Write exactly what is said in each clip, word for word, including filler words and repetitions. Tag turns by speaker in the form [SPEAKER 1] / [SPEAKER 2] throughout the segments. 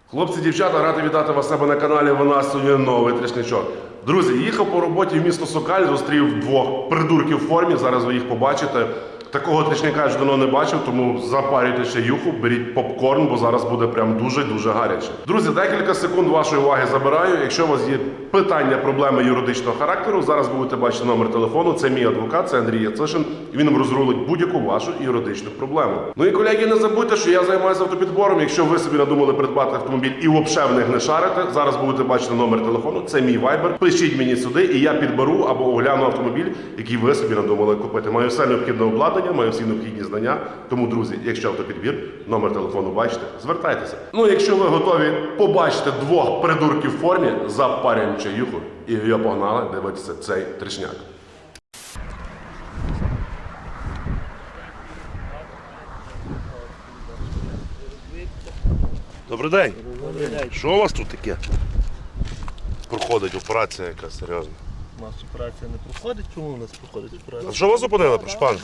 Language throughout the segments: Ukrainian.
[SPEAKER 1] Хлопці, дівчата, радий вітати вас у себе на каналі. У нас сьогодні новий трішничок. Друзі, їхав по роботі в місто Сокаль, зустрів двох придурків в формі, зараз ви їх побачите. Такого трішника я ж давно не бачив, тому запарюйте ще юху, беріть попкорн, бо зараз буде прям дуже-дуже гаряче. Друзі, декілька секунд вашої уваги забираю. Якщо у вас є питання, проблеми юридичного характеру, зараз будете бачити номер телефону. Це мій адвокат, це Андрій Яцишин. Він вам розрулить будь-яку вашу юридичну проблему. Ну і колеги, не забудьте, що я займаюся автопідбором. Якщо ви собі надумали придбати автомобіль і взагалі в них не шарите, зараз будете бачити номер телефону, це мій вайбер. Пишіть мені сюди, і я підберу або огляну автомобіль, який ви собі надумали купити. Маю все необхідне обладнання, маю всі необхідні знання. Тому, друзі, якщо автопідбір, номер телефону бачите, звертайтеся. Ну, якщо ви готові побачити двох придурків в формі, запарюємо чаюху і я погнали дивитися цей трішняк. Добрий день.
[SPEAKER 2] Добрий день.
[SPEAKER 1] Що у вас тут таке? Проходить операція якась серйозна.
[SPEAKER 2] У нас операція не проходить. Чому у нас проходить операція?
[SPEAKER 1] А що вас зупинили, прошу пане?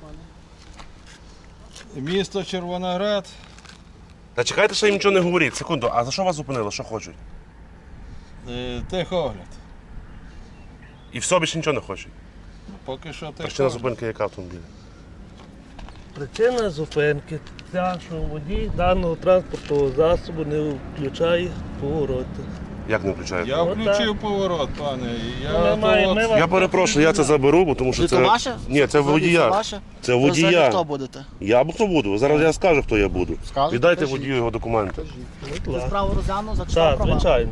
[SPEAKER 3] Місто Червоноград.
[SPEAKER 1] Та чекайте, що їм нічого не говоріть. Секунду, а за що вас зупинили? Що хочуть?
[SPEAKER 3] Е, Техогляд.
[SPEAKER 1] І все, більше нічого не хочуть.
[SPEAKER 3] Поки що
[SPEAKER 1] Причина
[SPEAKER 3] техогляд.
[SPEAKER 1] зупинки яка автомобіля?
[SPEAKER 2] Причина зупинки ця, що водій даного транспортного засобу не включає повороти.
[SPEAKER 1] Як не включаєте?
[SPEAKER 3] Я включив поворот, пане. і Я,
[SPEAKER 2] Ну, ми маємо-
[SPEAKER 3] того-
[SPEAKER 2] ми вам-
[SPEAKER 1] Я перепрошую, я це заберу, бо тому що
[SPEAKER 4] Це
[SPEAKER 1] це...
[SPEAKER 4] ваше?
[SPEAKER 1] Ні, це водія.
[SPEAKER 4] ваше?
[SPEAKER 1] Це
[SPEAKER 4] Ви взагалі
[SPEAKER 1] водія.
[SPEAKER 4] хто будете?
[SPEAKER 1] Я б хто буду. Зараз я скажу, хто я буду.
[SPEAKER 4] Скажете?
[SPEAKER 1] Віддайте
[SPEAKER 4] Кажіть.
[SPEAKER 1] водію його документи.
[SPEAKER 2] Будь
[SPEAKER 4] Ви
[SPEAKER 2] ласка.
[SPEAKER 4] справу розгляну, зачитав
[SPEAKER 2] Так,
[SPEAKER 4] права.
[SPEAKER 2] звичайно.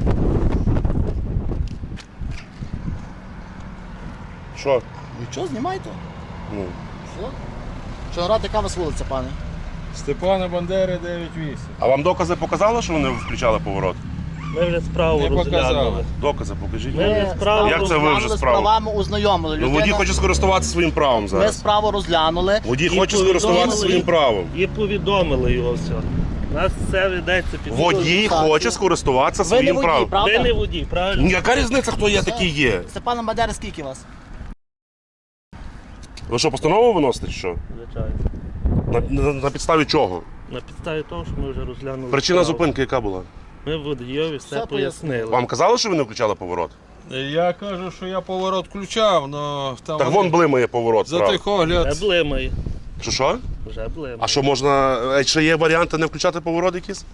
[SPEAKER 1] Що?
[SPEAKER 4] Нічого, знімайте.
[SPEAKER 1] Ну.
[SPEAKER 4] Все. Чорноград, яка у вас вулиця, пане?
[SPEAKER 3] Степана Бандери дев'ять вісім.
[SPEAKER 1] А вам докази показали, що вони включали поворот?
[SPEAKER 2] Ми вже справу
[SPEAKER 3] Не
[SPEAKER 2] розглянули.
[SPEAKER 3] показали.
[SPEAKER 1] Докази покажіть.
[SPEAKER 2] Ми
[SPEAKER 1] мені.
[SPEAKER 2] справу
[SPEAKER 1] Як це ви вже
[SPEAKER 4] розглянули, з
[SPEAKER 1] справу?
[SPEAKER 4] правами ознайомили.
[SPEAKER 1] Ну,
[SPEAKER 4] Людина-
[SPEAKER 1] водій хоче скористуватися своїм правом
[SPEAKER 4] Ми
[SPEAKER 1] зараз.
[SPEAKER 4] справу розглянули.
[SPEAKER 1] Водій
[SPEAKER 2] І
[SPEAKER 1] хоче скористуватися
[SPEAKER 2] повідомили,
[SPEAKER 1] своїм правом.
[SPEAKER 2] І повідомили його все. У нас все ведеться під
[SPEAKER 1] Водій
[SPEAKER 4] Так.
[SPEAKER 1] хоче скористуватися
[SPEAKER 4] Ви не
[SPEAKER 1] своїм
[SPEAKER 4] водій,
[SPEAKER 1] правом.
[SPEAKER 4] правда?
[SPEAKER 2] Ви не водій, правильно?
[SPEAKER 1] Яка різниця, хто я такий є?
[SPEAKER 4] Степана Бандери скільки вас?
[SPEAKER 1] Ви що, постанову виносите чи що?
[SPEAKER 2] Звичайно.
[SPEAKER 1] На, на, на підставі чого?
[SPEAKER 2] На підставі того, що ми вже розглянули.
[SPEAKER 1] Причина
[SPEAKER 2] справу.
[SPEAKER 1] зупинки яка була?
[SPEAKER 2] Ми водійові все,
[SPEAKER 4] Все
[SPEAKER 2] пояснили.
[SPEAKER 1] Вам казали, що ви не включали поворот?
[SPEAKER 3] Я кажу, що я поворот включав, але там
[SPEAKER 1] Так вон блимає поворот
[SPEAKER 3] за
[SPEAKER 1] справа.
[SPEAKER 3] техогляд.
[SPEAKER 2] Вже блимає.
[SPEAKER 1] Що що?
[SPEAKER 2] Вже блимає.
[SPEAKER 1] А що можна, е, ще є варіанти не включати поворот якісь?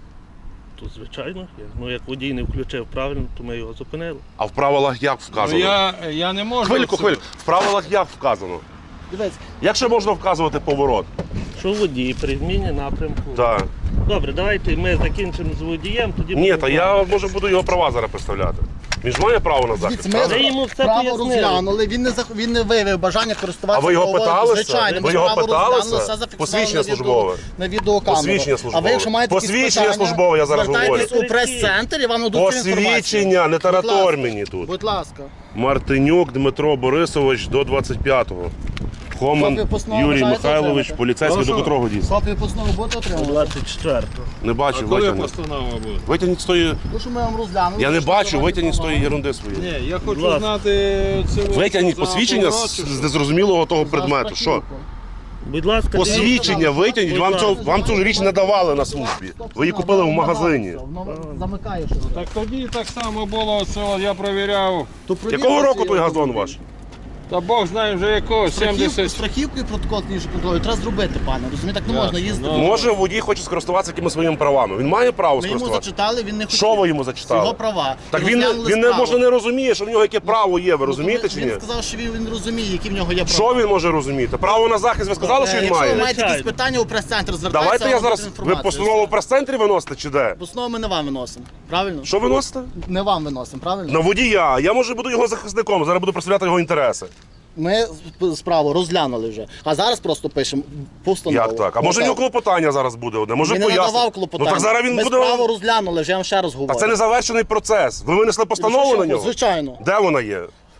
[SPEAKER 2] Тут, звичайно, є. Ну, як водій не включив правильно, то ми його зупинили.
[SPEAKER 1] А в правилах як
[SPEAKER 3] Ну,
[SPEAKER 1] вказано?
[SPEAKER 3] я, я не можу.
[SPEAKER 1] Хвильку,
[SPEAKER 3] це-
[SPEAKER 1] хвильку. В правилах як вказано?
[SPEAKER 4] Дивіться,
[SPEAKER 1] Як ще можна вказувати поворот?
[SPEAKER 2] Що водій при зміні напрямку.
[SPEAKER 1] Так.
[SPEAKER 2] Добре, давайте ми закінчимо з водієм, тоді
[SPEAKER 1] Ні,
[SPEAKER 2] будемо
[SPEAKER 1] та я може буду його права зараз представляти. Він ж має право на захист.
[SPEAKER 4] дивіться,
[SPEAKER 1] правда?
[SPEAKER 2] Ми
[SPEAKER 4] ми
[SPEAKER 2] йому все
[SPEAKER 4] справу
[SPEAKER 2] пояснили.
[SPEAKER 4] розглянули, він не, зах- він не виявив бажання користуватися
[SPEAKER 1] А ви його
[SPEAKER 4] правовою.
[SPEAKER 1] питалися?
[SPEAKER 4] Звичайно,
[SPEAKER 1] Ви
[SPEAKER 4] ми
[SPEAKER 1] його
[SPEAKER 4] справу
[SPEAKER 1] питалися?
[SPEAKER 4] розглянули, все зафіксували
[SPEAKER 1] Посвідчення
[SPEAKER 4] на відео-
[SPEAKER 1] службове?
[SPEAKER 4] на відеокамеру.
[SPEAKER 1] Посвідчення
[SPEAKER 4] А
[SPEAKER 1] службове.
[SPEAKER 4] ви, якщо маєте якісь
[SPEAKER 1] Посвідчення
[SPEAKER 4] питання,
[SPEAKER 1] службове, я зараз
[SPEAKER 4] звертайтесь
[SPEAKER 2] говорю.
[SPEAKER 4] у прес-центр і вам надуть цю інформацію.
[SPEAKER 1] Посвідчення, не таратор
[SPEAKER 4] Будь ласка.
[SPEAKER 1] мені тут.
[SPEAKER 4] Будь ласка.
[SPEAKER 1] Мартинюк Дмитро Борисович до двадцять п'ятого. Хоман
[SPEAKER 4] Копію постанови
[SPEAKER 1] Юрій
[SPEAKER 4] бажаєте
[SPEAKER 1] Михайлович,
[SPEAKER 4] отримати?
[SPEAKER 1] поліцейський до
[SPEAKER 3] Прошу.
[SPEAKER 1] котрого дійсно?
[SPEAKER 4] Копію постанови будете отримувати?
[SPEAKER 2] двадцять четвертого.
[SPEAKER 1] Не
[SPEAKER 3] А
[SPEAKER 1] бачу,
[SPEAKER 3] коли
[SPEAKER 1] витягніть.
[SPEAKER 3] постанова буде?
[SPEAKER 1] Витягніть з тої...
[SPEAKER 4] Ну, що ми вам розглянули.
[SPEAKER 1] Я не
[SPEAKER 4] що
[SPEAKER 1] бачу,
[SPEAKER 4] давайте
[SPEAKER 1] витягніть з
[SPEAKER 4] права.
[SPEAKER 1] тої ерунди своєї.
[SPEAKER 3] Ні, я хочу
[SPEAKER 2] ласка.
[SPEAKER 3] знати це.
[SPEAKER 1] Витягніть
[SPEAKER 3] за
[SPEAKER 1] посвідчення
[SPEAKER 3] поворот,
[SPEAKER 1] з
[SPEAKER 3] чи
[SPEAKER 1] з
[SPEAKER 3] що?
[SPEAKER 1] незрозумілого того
[SPEAKER 4] За
[SPEAKER 1] предмету. Що?
[SPEAKER 4] страхівку.
[SPEAKER 2] Будь ласка,
[SPEAKER 1] Посвідчення витягніть,
[SPEAKER 2] Будь
[SPEAKER 1] вам,
[SPEAKER 2] ласка.
[SPEAKER 1] цього, вам цю річ не давали на службі. Ви її купили в магазині.
[SPEAKER 4] Воно замикає щось.
[SPEAKER 3] Так тоді так само було, це от я провіряв.
[SPEAKER 4] То провірте
[SPEAKER 1] Якого року
[SPEAKER 4] свій
[SPEAKER 1] той газон
[SPEAKER 4] автомобіль.
[SPEAKER 1] ваш?
[SPEAKER 3] Та Бог знає вже якого,
[SPEAKER 4] Страхівку,
[SPEAKER 3] сімдесят.
[SPEAKER 4] страхівку і протокол клінічного контролю треба зробити, пане. Розумієте, так не
[SPEAKER 3] Ясно,
[SPEAKER 4] можна їздити.
[SPEAKER 3] ну.
[SPEAKER 1] Може, водій хоче скористуватися якимись своїми правами. Він має право
[SPEAKER 4] Ми йому
[SPEAKER 1] скористуватися.
[SPEAKER 4] зачитали, він не хотів.
[SPEAKER 1] Що ви йому
[SPEAKER 4] Його
[SPEAKER 1] зачитали?
[SPEAKER 4] права.
[SPEAKER 1] Так
[SPEAKER 4] І
[SPEAKER 1] він, не-
[SPEAKER 4] розглянули
[SPEAKER 1] він не,
[SPEAKER 4] справу.
[SPEAKER 1] може не розуміє, що в нього яке право є, ви
[SPEAKER 4] Ну,
[SPEAKER 1] розумієте
[SPEAKER 4] то
[SPEAKER 1] чи
[SPEAKER 4] він,
[SPEAKER 1] ні?
[SPEAKER 4] Він сказав, що він, він розуміє, які в нього є права.
[SPEAKER 1] Що він може розуміти? Право на захист ви сказали, що
[SPEAKER 4] Е,
[SPEAKER 1] він
[SPEAKER 4] Якщо ви
[SPEAKER 1] має?
[SPEAKER 4] маєте якісь
[SPEAKER 2] Звичайно.
[SPEAKER 4] питання у прес-центр, звертайтеся.
[SPEAKER 1] Давайте я
[SPEAKER 4] вам
[SPEAKER 1] зараз.
[SPEAKER 4] дадуть
[SPEAKER 1] Ви
[SPEAKER 4] інформацію.
[SPEAKER 1] постанову в прес-центрі виносите чи де?
[SPEAKER 4] Постанову ми не вам виносимо, правильно?
[SPEAKER 1] Що виносите?
[SPEAKER 4] Не вам виносимо, правильно?
[SPEAKER 1] На водія. Я може буду його захисником, зараз буду представляти його інтереси.
[SPEAKER 4] Ми справу розглянули вже, а зараз просто пишемо постанову.
[SPEAKER 1] Як так? А може в нього клопотання зараз буде одне? Може
[SPEAKER 4] Він не
[SPEAKER 1] пояснити?
[SPEAKER 4] надавав клопотання.
[SPEAKER 1] Ну так зараз він
[SPEAKER 4] Ми
[SPEAKER 1] буде.
[SPEAKER 4] справу розглянули, вже я вам ще раз говорю.
[SPEAKER 1] Та це не завершений процес. Ви винесли постанову
[SPEAKER 4] Що,
[SPEAKER 1] на
[SPEAKER 4] що,
[SPEAKER 1] нього?
[SPEAKER 4] Звичайно.
[SPEAKER 1] Де вона є?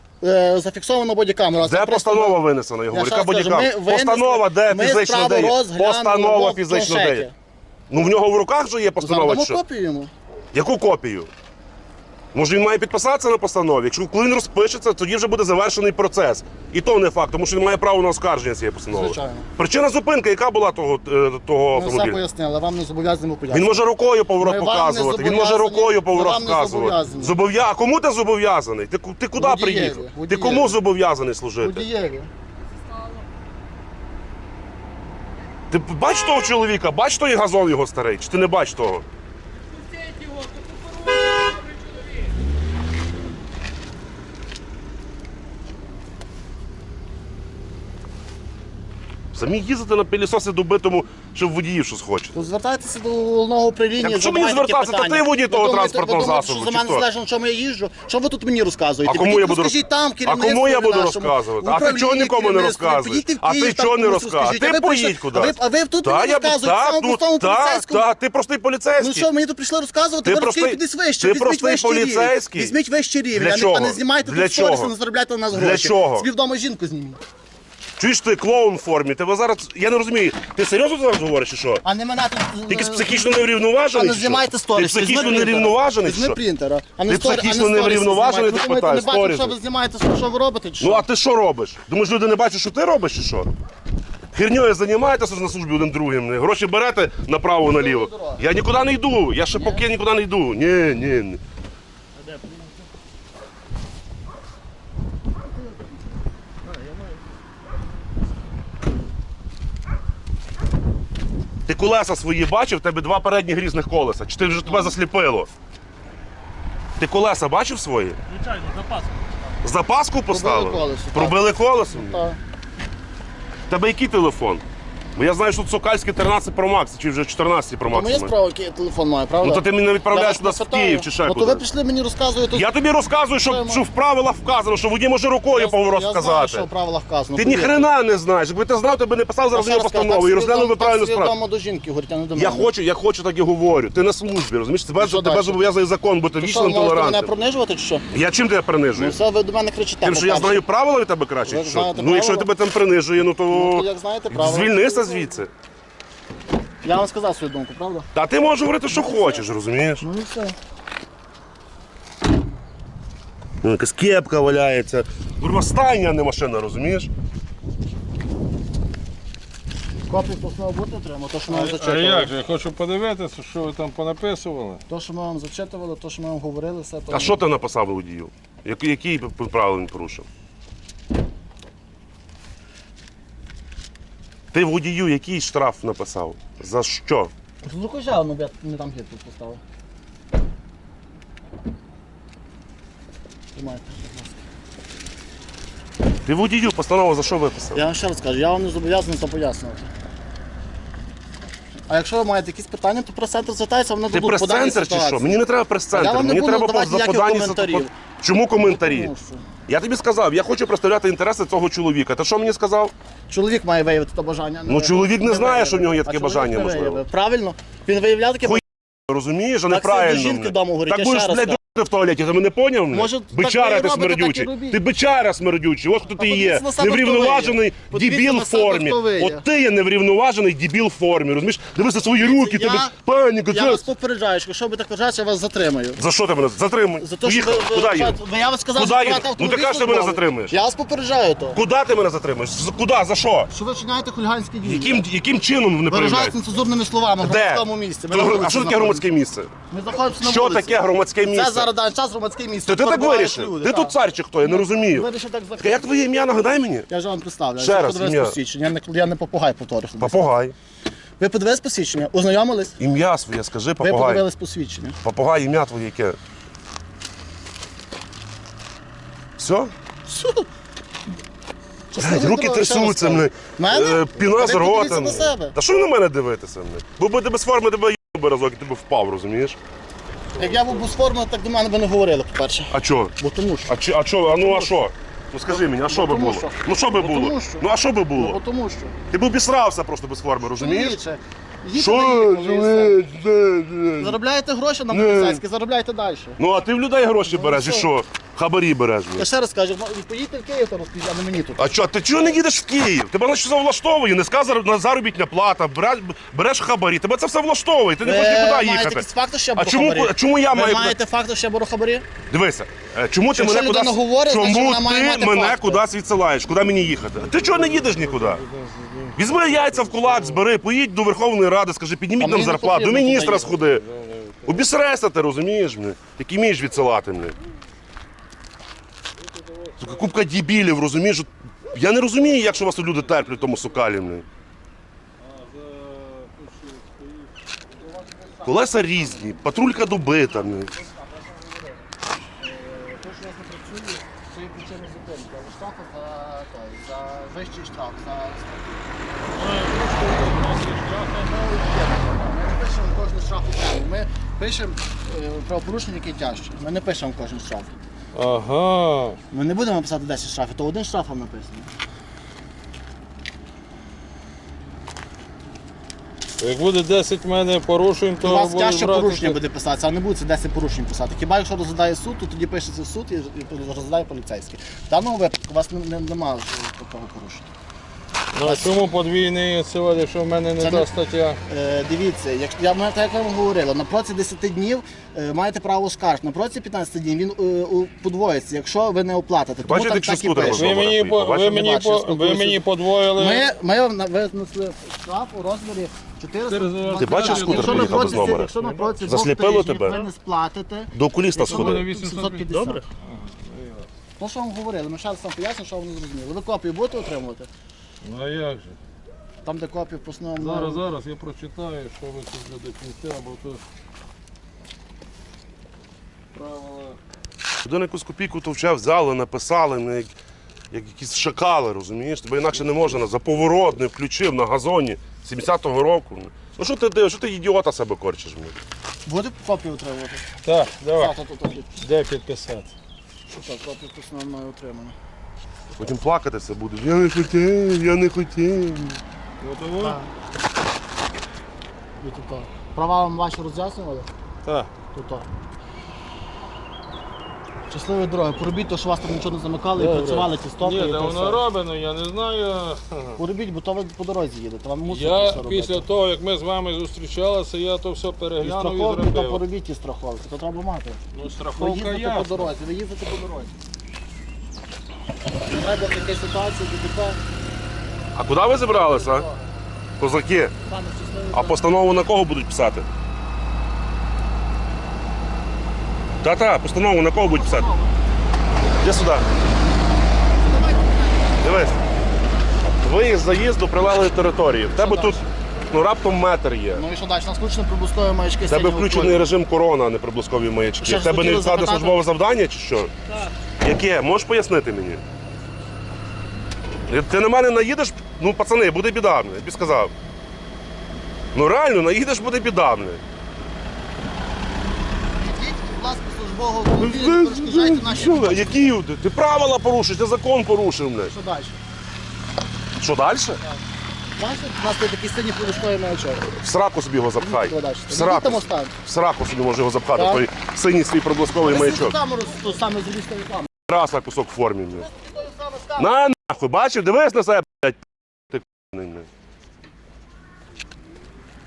[SPEAKER 4] Е, зафіксовано бодікамера.
[SPEAKER 1] Де постанова винесена? Я говорю,
[SPEAKER 4] ще
[SPEAKER 1] яка
[SPEAKER 4] раз кажу,
[SPEAKER 1] бодікамера?
[SPEAKER 4] ми винесли-
[SPEAKER 1] Постанова де
[SPEAKER 4] ми
[SPEAKER 1] фізично
[SPEAKER 4] справу
[SPEAKER 1] де є?
[SPEAKER 4] розглянули
[SPEAKER 1] Постанова
[SPEAKER 4] в
[SPEAKER 1] фізично де є?
[SPEAKER 4] планшеті.
[SPEAKER 1] Ну в нього в руках же є постанова чи
[SPEAKER 4] Задамо
[SPEAKER 1] що?
[SPEAKER 4] копію йому.
[SPEAKER 1] Яку копію? Може, він має підписатися на постанові? Якщо коли він розпишеться, тоді вже буде завершений процес. І то не факт, тому що він має право на оскарження цієї постанови.
[SPEAKER 4] Звичайно.
[SPEAKER 1] Причина зупинки, яка була того, е, того
[SPEAKER 4] Ми все
[SPEAKER 1] автомобіля?
[SPEAKER 4] пояснили, вам не зобов'язані пояснити.
[SPEAKER 1] Він може рукою поворот
[SPEAKER 4] Ми вам не
[SPEAKER 1] показувати, він може
[SPEAKER 4] зобов'язані-
[SPEAKER 1] рукою
[SPEAKER 4] ми
[SPEAKER 1] поворот
[SPEAKER 4] вам не
[SPEAKER 1] показувати.
[SPEAKER 4] зобов'язані.
[SPEAKER 1] Зобов'я... А кому ти зобов'язаний? Ти, ку- ти куди
[SPEAKER 4] Водієві,
[SPEAKER 1] приїхав? Ти
[SPEAKER 4] водієві.
[SPEAKER 1] кому зобов'язаний служити?
[SPEAKER 4] Водієві.
[SPEAKER 1] Ти бач того чоловіка? Бач той газон його старий? Чи ти не бач того? Самі їздити на пилісоси добитому, щоб водіїв щось хочете.
[SPEAKER 4] То звертайтеся до головного управління.
[SPEAKER 1] Так що мені
[SPEAKER 4] задавайте
[SPEAKER 1] звертатися? Та
[SPEAKER 4] питання.
[SPEAKER 1] ти водій
[SPEAKER 4] Ви
[SPEAKER 1] того
[SPEAKER 4] думаєте-
[SPEAKER 1] транспортного
[SPEAKER 4] ви думаєте,
[SPEAKER 1] засобу,
[SPEAKER 4] що за
[SPEAKER 1] чи
[SPEAKER 4] мене
[SPEAKER 1] хто?
[SPEAKER 4] залежно, на чому я їжджу? Що ви тут мені розказуєте?
[SPEAKER 1] А кому
[SPEAKER 4] Підіть
[SPEAKER 1] я буду
[SPEAKER 4] розкажіть
[SPEAKER 1] роз-
[SPEAKER 4] там,
[SPEAKER 1] А
[SPEAKER 4] керівництву
[SPEAKER 1] кому я буду
[SPEAKER 4] нашому,
[SPEAKER 1] розказувати? А ти
[SPEAKER 4] управлінні
[SPEAKER 1] чого нікому не
[SPEAKER 4] керівництву.
[SPEAKER 1] розказуєш?
[SPEAKER 4] Підіть в
[SPEAKER 1] А ти
[SPEAKER 4] Київ, там
[SPEAKER 1] чого не
[SPEAKER 4] комусь
[SPEAKER 1] розказуєш?
[SPEAKER 4] розкажіть.
[SPEAKER 1] Ти
[SPEAKER 4] А ви прийшли-
[SPEAKER 1] поїдь кудись.
[SPEAKER 4] А ви, а ви тут
[SPEAKER 1] Та,
[SPEAKER 4] мені
[SPEAKER 1] я
[SPEAKER 4] розказуєте
[SPEAKER 1] та,
[SPEAKER 4] самому
[SPEAKER 1] ну,
[SPEAKER 4] простому
[SPEAKER 1] та,
[SPEAKER 4] поліцейському?
[SPEAKER 1] та, ти простий поліцейський.
[SPEAKER 4] Ну що, мені тут прийшли розказувати?
[SPEAKER 1] Ти
[SPEAKER 4] Ви
[SPEAKER 1] простий-
[SPEAKER 4] розкажіть кудись вище,
[SPEAKER 1] ти
[SPEAKER 4] візьміть
[SPEAKER 1] простий
[SPEAKER 4] вищий рівень.
[SPEAKER 1] поліцейський?
[SPEAKER 4] Візьміть вищий рівень,
[SPEAKER 1] Для
[SPEAKER 4] а не- а
[SPEAKER 1] чого?
[SPEAKER 4] не знімайте
[SPEAKER 1] Для
[SPEAKER 4] тут сторіси,
[SPEAKER 1] чого?
[SPEAKER 4] не заробляйте на нас
[SPEAKER 1] Для
[SPEAKER 4] гроші.
[SPEAKER 1] чого?
[SPEAKER 4] Собі вдома жінку зніміть.
[SPEAKER 1] Чуєш ти клоун в формі? Тебе зараз. Я не розумію. Ти серйозно зараз говориш чи що?
[SPEAKER 4] А не мене тут...
[SPEAKER 1] Ти
[SPEAKER 4] е,
[SPEAKER 1] психічно
[SPEAKER 4] А
[SPEAKER 1] неврівноважений?
[SPEAKER 4] не
[SPEAKER 1] чи що?
[SPEAKER 4] знімайте сторіс.
[SPEAKER 1] Ти психічно неврівноважений? чи
[SPEAKER 4] Візьми
[SPEAKER 1] що?
[SPEAKER 4] принтера. А
[SPEAKER 1] Ти
[SPEAKER 4] не сторі- а не
[SPEAKER 1] психічно
[SPEAKER 4] сторіси
[SPEAKER 1] неврівноважений,
[SPEAKER 4] знімайте.
[SPEAKER 1] ти
[SPEAKER 4] Ви думаєте,
[SPEAKER 1] питаєш,
[SPEAKER 4] не бачу,
[SPEAKER 1] сторіси?
[SPEAKER 4] що ви знімаєте, що ви робите, чи що?
[SPEAKER 1] Ну а ти що робиш? Думаєш, люди не бачать, що ти робиш чи що? Херньою займаєтеся на службі один другим. Гроші берете направо-наліво. Я нікуди не йду. Я ще поки нікуди не йду. Ні, ні, ні. Ти колеса свої бачив, в тебе два передні грізних колеса. Чи ти вже тебе засліпило? Ти колеса бачив свої?
[SPEAKER 2] Звичайно, запаску.
[SPEAKER 1] Запаску поставили?
[SPEAKER 4] колесо, так.
[SPEAKER 1] Пробили колесо?
[SPEAKER 4] Так.
[SPEAKER 1] В тебе який телефон? Бо я знаю, що тут Сокальський тринадцять Pro Max, чи вже чотирнадцять Pro
[SPEAKER 4] Тому
[SPEAKER 1] Max.
[SPEAKER 4] є справа, який я телефон маю, правда?
[SPEAKER 1] Ну то ти мене відправляєш
[SPEAKER 4] Я вас
[SPEAKER 1] туди в
[SPEAKER 4] питаю.
[SPEAKER 1] Київ чи ще
[SPEAKER 4] Ну, то
[SPEAKER 1] куди.
[SPEAKER 4] ви прийшли мені розказуєте...
[SPEAKER 1] Я тобі розказую, що,
[SPEAKER 4] Що
[SPEAKER 1] що в правилах вказано, що водій може рукою
[SPEAKER 4] Я-
[SPEAKER 1] поворот
[SPEAKER 4] я знаю,
[SPEAKER 1] сказати.
[SPEAKER 4] що в правилах вказано.
[SPEAKER 1] Ти ні
[SPEAKER 4] повірте.
[SPEAKER 1] хрена не знаєш. Якби ти знав, ти б не писав зараз
[SPEAKER 4] Я
[SPEAKER 1] мені
[SPEAKER 4] ще раз кажу,
[SPEAKER 1] постанову
[SPEAKER 4] так
[SPEAKER 1] і розглянув би
[SPEAKER 4] свідомо-
[SPEAKER 1] правильну
[SPEAKER 4] так
[SPEAKER 1] справу.
[SPEAKER 4] свідомо до жінки, говорить, а не до мене.
[SPEAKER 1] Я хочу, я хочу так і говорю. Ти на службі, розумієш? Тебе,
[SPEAKER 4] що
[SPEAKER 1] тебе
[SPEAKER 4] далі?
[SPEAKER 1] зобов'язує закон бути
[SPEAKER 4] Що,
[SPEAKER 1] вічним
[SPEAKER 4] можете мене
[SPEAKER 1] толерантним.
[SPEAKER 4] принижувати, чи що?
[SPEAKER 1] Я чим тебе
[SPEAKER 4] Ну
[SPEAKER 1] принижую?
[SPEAKER 4] все, ви до мене кричите.
[SPEAKER 1] Тим, що я
[SPEAKER 4] по-перше.
[SPEAKER 1] знаю правила від тебе краще.
[SPEAKER 4] Ви
[SPEAKER 1] чи що?
[SPEAKER 4] знаєте
[SPEAKER 1] Ну, якщо я
[SPEAKER 4] правила?
[SPEAKER 1] тебе там принижує, ну то,
[SPEAKER 4] Ну, то як знаєте правила.
[SPEAKER 1] звільнися звідси.
[SPEAKER 4] Я вам сказав свою думку, правда?
[SPEAKER 1] Та ти можеш говорити, що хочеш, розумієш?
[SPEAKER 4] Ну і все.
[SPEAKER 1] Ну, якась кепка валяється. Курва, стайня, а не машина, розумієш?
[SPEAKER 4] Копію постанови будете отримати, то, що ми вам
[SPEAKER 3] А
[SPEAKER 4] зачитували.
[SPEAKER 3] як же? Я хочу подивитися, що ви там понаписували.
[SPEAKER 4] То, що ми вам зачитували, то, що ми вам говорили, все то...
[SPEAKER 1] А що ти написав водію? Який, який правил він порушив? Ти водію який штраф написав? За що?
[SPEAKER 4] Звукожав, ну я не там гід тут поставив. Тримайте, будь ласка.
[SPEAKER 1] Ти водію постанову за що виписав?
[SPEAKER 4] Я вам ще раз кажу, я вам не зобов'язаний це пояснювати. А якщо ви маєте якісь питання, то прес-центр звертається, вони
[SPEAKER 1] Ти
[SPEAKER 4] дадуть по даній
[SPEAKER 1] прес-центр чи
[SPEAKER 4] ситуації.
[SPEAKER 1] що? Мені не треба
[SPEAKER 4] А я
[SPEAKER 1] прес-центр,
[SPEAKER 4] вам не
[SPEAKER 1] мені
[SPEAKER 4] буду
[SPEAKER 1] треба
[SPEAKER 4] давати
[SPEAKER 1] по, по
[SPEAKER 4] ніяких
[SPEAKER 1] даній
[SPEAKER 4] коментарів.
[SPEAKER 1] ситуації. Чому коментарі?
[SPEAKER 4] Тому що
[SPEAKER 1] Я тобі сказав, я хочу представляти інтереси цього чоловіка. Ти що мені сказав?
[SPEAKER 4] Чоловік має виявити це бажання.
[SPEAKER 1] Ну, чоловік не знає,
[SPEAKER 4] виявив.
[SPEAKER 1] що в нього є
[SPEAKER 4] А
[SPEAKER 1] таке
[SPEAKER 4] чоловік
[SPEAKER 1] бажання,
[SPEAKER 4] не
[SPEAKER 1] можливо.
[SPEAKER 4] виявив. Правильно? Він виявляв таке
[SPEAKER 1] Хуй- Розумієш, а
[SPEAKER 4] Так
[SPEAKER 1] неправильно.
[SPEAKER 4] собі жінки
[SPEAKER 1] мене.
[SPEAKER 4] вдома говорять,
[SPEAKER 1] Так
[SPEAKER 4] я
[SPEAKER 1] будеш,
[SPEAKER 4] ще раз
[SPEAKER 1] блядь,
[SPEAKER 4] кажу.
[SPEAKER 1] в туалеті, ти мене поняв? мене?
[SPEAKER 4] Може, так
[SPEAKER 1] Бичара
[SPEAKER 4] ви
[SPEAKER 1] ти
[SPEAKER 4] робите, так і
[SPEAKER 1] смердючий.
[SPEAKER 4] робіть.
[SPEAKER 1] Ти бичара смердючий, ось хто ти є.
[SPEAKER 4] подивіться на себе,
[SPEAKER 1] Неврівноважений
[SPEAKER 4] хто ви є.
[SPEAKER 1] дебіл в
[SPEAKER 4] Подивіться на себе,
[SPEAKER 1] формі.
[SPEAKER 4] хто ви є.
[SPEAKER 1] От ти є неврівноважений дебіл в формі, розумієш? Дивися свої руки,
[SPEAKER 4] Я-
[SPEAKER 1] тебе паніка.
[SPEAKER 4] Я
[SPEAKER 1] це-
[SPEAKER 4] вас попереджаю, що якщо ви так вважаєте, я вас затримаю.
[SPEAKER 1] За що ти мене затримуй?
[SPEAKER 4] За те, що ви,
[SPEAKER 1] Поїхав.
[SPEAKER 4] ви,
[SPEAKER 1] Куди
[SPEAKER 4] вважаєте-
[SPEAKER 1] їду?
[SPEAKER 4] ви- я вам сказав,
[SPEAKER 1] Куди
[SPEAKER 4] що
[SPEAKER 1] їду?
[SPEAKER 4] брати
[SPEAKER 1] Ну ти
[SPEAKER 4] автомобіль
[SPEAKER 1] кажеш, ти мене
[SPEAKER 4] службовий.
[SPEAKER 1] затримуєш.
[SPEAKER 4] Я вас попереджаю то.
[SPEAKER 1] Куди ти мене затримуєш? З- Куди? За що?
[SPEAKER 4] Що ви вчиняєте хуліганські дії?
[SPEAKER 1] Яким, яким чином не
[SPEAKER 4] Виражаєте
[SPEAKER 1] проявляєте?
[SPEAKER 4] нецензурними словами в
[SPEAKER 1] Де?
[SPEAKER 4] громадському місці. Ми на
[SPEAKER 1] То-
[SPEAKER 4] вулиці
[SPEAKER 1] А що таке
[SPEAKER 4] знаходимося.
[SPEAKER 1] громадське місце?
[SPEAKER 4] Ми знаходимося на
[SPEAKER 1] Що
[SPEAKER 4] вулиці.
[SPEAKER 1] таке громадське місце?
[SPEAKER 4] Це зараз даний час громадське місце.
[SPEAKER 1] Ти, ти так
[SPEAKER 4] Перебувають
[SPEAKER 1] вирішив?
[SPEAKER 4] люди,
[SPEAKER 1] Ти
[SPEAKER 4] так.
[SPEAKER 1] тут цар чи хто? Я не розумію.
[SPEAKER 4] Вирішив так
[SPEAKER 1] Як
[SPEAKER 4] захистити.
[SPEAKER 1] твоє ім'я, нагадай мені?
[SPEAKER 4] Я ж вам представляю.
[SPEAKER 1] Ще
[SPEAKER 4] Я
[SPEAKER 1] раз,
[SPEAKER 4] подивився
[SPEAKER 1] ім'я.
[SPEAKER 4] посвідчення. Я не, я не попугай повторюю.
[SPEAKER 1] Попугай.
[SPEAKER 4] Ви подивились посвідчення? Ознайомились?
[SPEAKER 1] Ім'я своє, скажи,
[SPEAKER 4] Ви
[SPEAKER 1] попугай.
[SPEAKER 4] подивились посвідчення.
[SPEAKER 1] Попугай, ім'я твоє яке? Все?
[SPEAKER 4] Все.
[SPEAKER 1] Блядь, руки трясуться, мене.
[SPEAKER 4] Мене?
[SPEAKER 1] Е, Піна з
[SPEAKER 4] Ви
[SPEAKER 1] рота.
[SPEAKER 4] подивіться на
[SPEAKER 1] мене.
[SPEAKER 4] себе.
[SPEAKER 1] Та що ви на мене дивитеся? мене? Бо би ти без форми тебе їбав би разок і ти б впав, розумієш?
[SPEAKER 4] Як я був без форми, так до мене би не говорили, по-перше.
[SPEAKER 1] А чо?
[SPEAKER 4] Бо тому що.
[SPEAKER 1] А чи, а чо? А ну а що? Ну скажи мені, а що би
[SPEAKER 4] тому
[SPEAKER 1] було?
[SPEAKER 4] що.
[SPEAKER 1] Ну що би
[SPEAKER 4] Бо
[SPEAKER 1] було?
[SPEAKER 4] тому що.
[SPEAKER 1] Ну а що би
[SPEAKER 4] Бо
[SPEAKER 1] було?
[SPEAKER 4] тому що.
[SPEAKER 1] Ти б обісрався просто без форми, розумієш?
[SPEAKER 4] Чоловіче, Їхали,
[SPEAKER 1] Що?
[SPEAKER 4] їхали, і все.
[SPEAKER 1] Е,
[SPEAKER 4] Заробляєте гроші на
[SPEAKER 1] Ні.
[SPEAKER 4] поліцейські, заробляйте далі.
[SPEAKER 1] Ну а ти в людей гроші береш і
[SPEAKER 4] що?
[SPEAKER 1] що? Хабарі береш.
[SPEAKER 4] Я ще раз кажу, ну, поїдьте в Київ, то розкажіть, а не мені тут.
[SPEAKER 1] А що, ти чого не їдеш в Київ? Тебе на що влаштовує, низька зар- на заробітня плата, береш, береш хабарі, тебе це все влаштовує, ти не хочеш нікуди
[SPEAKER 4] маєте
[SPEAKER 1] їхати.
[SPEAKER 4] якісь факти, що я
[SPEAKER 1] А
[SPEAKER 4] беру
[SPEAKER 1] чому,
[SPEAKER 4] хабарі?
[SPEAKER 1] а чому я
[SPEAKER 4] Ви
[SPEAKER 1] маю...
[SPEAKER 4] маєте факти, що я беру хабарі?
[SPEAKER 1] Дивися, е, чому ти
[SPEAKER 4] Якщо
[SPEAKER 1] мене
[SPEAKER 4] людина
[SPEAKER 1] кудись...
[SPEAKER 4] говорить, значить,
[SPEAKER 1] чому
[SPEAKER 4] вона має
[SPEAKER 1] ти
[SPEAKER 4] мати
[SPEAKER 1] мене
[SPEAKER 4] факти.
[SPEAKER 1] кудись відсилаєш? Куди мені їхати? А ти чого не їдеш нікуди? Візьми яйця в кулак, збери, поїдь до Верховної Ради, скажи, підніміть
[SPEAKER 4] А
[SPEAKER 1] нам
[SPEAKER 4] мені не
[SPEAKER 1] зарплату, до
[SPEAKER 4] потрібно
[SPEAKER 1] міністра
[SPEAKER 4] туди
[SPEAKER 1] сходи. Обісрайся ти, розумієш мене? Який вмієш відсилати мене? Сука, купка дебілів, розумієш? От я не розумію, як що вас тут люди терплять в тому сокалі. Мене. Колеса різні, патрулька добита. Мене.
[SPEAKER 4] Це є причина зупинки, але штрафи за, за вищий штраф, за Ми не пишемо кожен штраф окремо. Ми пишемо е, правопорушення, яке тяжче. Ми не пишемо кожен штраф.
[SPEAKER 3] Ага.
[SPEAKER 4] Ми не будемо писати десять штрафів, то один штраф вам написано.
[SPEAKER 3] Як буде десять в мене порушень, то
[SPEAKER 4] У вас
[SPEAKER 3] буде
[SPEAKER 4] тяжче
[SPEAKER 3] брати
[SPEAKER 4] порушення
[SPEAKER 3] це.
[SPEAKER 4] буде писатися, а не буде це десять порушень писати. Хіба якщо розглядає суд, то тоді пишеться в суд і, і розглядає поліцейський. В даному випадку у вас не, не, немає такого порушення.
[SPEAKER 3] Ну, а чому подвійний сьогодні, якщо в мене не
[SPEAKER 4] Це
[SPEAKER 3] та
[SPEAKER 4] не-
[SPEAKER 3] стаття?
[SPEAKER 4] Е, дивіться, якщо я ми- так як вам говорили, на протязі десяти днів е, маєте право оскаржити. На протязі п'ятнадцяти днів він е, у- подвоїться, якщо ви не оплатите. Тому
[SPEAKER 1] Бачите,
[SPEAKER 4] там
[SPEAKER 1] якщо
[SPEAKER 4] так і
[SPEAKER 1] скутер
[SPEAKER 4] пише.
[SPEAKER 1] розуміє.
[SPEAKER 3] Ви мені, по- ви
[SPEAKER 1] Бачите,
[SPEAKER 3] мені,
[SPEAKER 4] бачу,
[SPEAKER 3] по-
[SPEAKER 4] я
[SPEAKER 3] ви
[SPEAKER 4] спілкуюся.
[SPEAKER 3] мені подвоїли.
[SPEAKER 4] Ми, ми на- винесли штраф у розмірі чотириста.
[SPEAKER 1] Ти бачив, скутер
[SPEAKER 4] Якщо на
[SPEAKER 1] приїхав без
[SPEAKER 4] протязі-
[SPEAKER 1] номера?
[SPEAKER 4] Якщо на протязі двох
[SPEAKER 1] Засліпило
[SPEAKER 4] тижнів
[SPEAKER 1] тебе?
[SPEAKER 4] ви не сплатите,
[SPEAKER 1] До окуліста
[SPEAKER 4] якщо
[SPEAKER 1] сходи.
[SPEAKER 4] буде сімсот п'ятдесят.
[SPEAKER 2] Добре.
[SPEAKER 4] То, що вам говорили, ми ще раз вам поясню, що ви не зрозуміли. Ви копію будете отримувати?
[SPEAKER 3] Ну а як же?
[SPEAKER 4] Там, де копію в основному...
[SPEAKER 3] Зараз, зараз я прочитаю, що ви тут вже до кінця, бо то правила.
[SPEAKER 1] Один якусь копійку товче взяли, написали, не як, як якісь шакали, розумієш? Тебе інакше не можна. За поворот не включив на газоні сімдесятого року. Ну що ти дивиш, що ти ідіота себе корчиш? Мені?
[SPEAKER 4] Буде копію отримувати?
[SPEAKER 3] Так, давай.
[SPEAKER 4] Так, тут, тут, тут.
[SPEAKER 3] Де підписати?
[SPEAKER 4] Так, копію в основному має отримано.
[SPEAKER 1] Потім плакатися будеш. Я не хотів, я не хотів.
[SPEAKER 3] Готово?
[SPEAKER 4] Так. І тут так. Права вам ваші роз'яснювали?
[SPEAKER 3] Так.
[SPEAKER 4] Тут так. Щасливої дороги. Поробіть то, що вас там нічого не замикали і
[SPEAKER 3] Добре.
[SPEAKER 4] працювали ці стопи.
[SPEAKER 3] Ні,
[SPEAKER 4] і
[SPEAKER 3] де
[SPEAKER 4] то
[SPEAKER 3] воно
[SPEAKER 4] все.
[SPEAKER 3] робено, я не знаю.
[SPEAKER 4] Поробіть, бо то ви по дорозі їдете. Вам мусить
[SPEAKER 3] Я
[SPEAKER 4] все робити.
[SPEAKER 3] після того, як ми з вами зустрічалися, я то все
[SPEAKER 4] І
[SPEAKER 3] переглянув і
[SPEAKER 4] страховки, то
[SPEAKER 3] зробив.
[SPEAKER 4] поробіть і страховки. То треба мати.
[SPEAKER 3] Ну,
[SPEAKER 4] Ви
[SPEAKER 3] страховка
[SPEAKER 4] їздите
[SPEAKER 3] я.
[SPEAKER 4] по дорозі, ви їздите по дорозі. Не треба в такій ситуації, ДТП.
[SPEAKER 1] А куди ви зібралися? Козаки.
[SPEAKER 4] Пане, щасливої
[SPEAKER 1] А постанову на кого будуть писати? Та-та, постанову на кого будуть писати? Іди сюди. Дивись. Виїзд заїзд до прилеглої території. В тебе тут ну, раптом метр є.
[SPEAKER 4] Ну і що далі? У нас включено прибуткові маячки.
[SPEAKER 1] В тебе
[SPEAKER 4] синього
[SPEAKER 1] включений
[SPEAKER 4] кольору.
[SPEAKER 1] режим корона, а не приблизкові маячки.
[SPEAKER 4] Ще
[SPEAKER 1] В
[SPEAKER 4] ж
[SPEAKER 1] тебе не
[SPEAKER 4] хотіли
[SPEAKER 1] відкладне
[SPEAKER 4] запитати.
[SPEAKER 1] службове завдання чи що?
[SPEAKER 2] Так.
[SPEAKER 1] Яке? Можеш пояснити мені? Ти на мене наїдеш, ну пацани, буде біда, я тобі сказав. Ну реально, наїдеш, буде біда. Мені.
[SPEAKER 4] Ідіть, будь ласка, службового автомобіля, не перешкоджайте наші
[SPEAKER 1] Що,
[SPEAKER 4] робочі.
[SPEAKER 1] які? Ти, ти правила порушив, ти закон порушив. Мене.
[SPEAKER 4] Що далі?
[SPEAKER 1] Що далі?
[SPEAKER 4] Бачите, у нас тут такий синій прибутковий маячок.
[SPEAKER 1] В сраку собі його запхай.
[SPEAKER 4] Що далі?
[SPEAKER 1] В
[SPEAKER 4] Там
[SPEAKER 1] сраку,
[SPEAKER 4] останнє.
[SPEAKER 1] в сраку собі може його запхати,
[SPEAKER 4] Так.
[SPEAKER 1] той синій свій проблисковий
[SPEAKER 4] Ви
[SPEAKER 1] маячок.
[SPEAKER 4] камеру ту саме з лістої камери.
[SPEAKER 1] Раз на кусок в формі. Блядь.
[SPEAKER 4] Тою саме з камери.
[SPEAKER 1] На нахуй, бачив, дивись на себе, блядь, ти к***ний, блядь.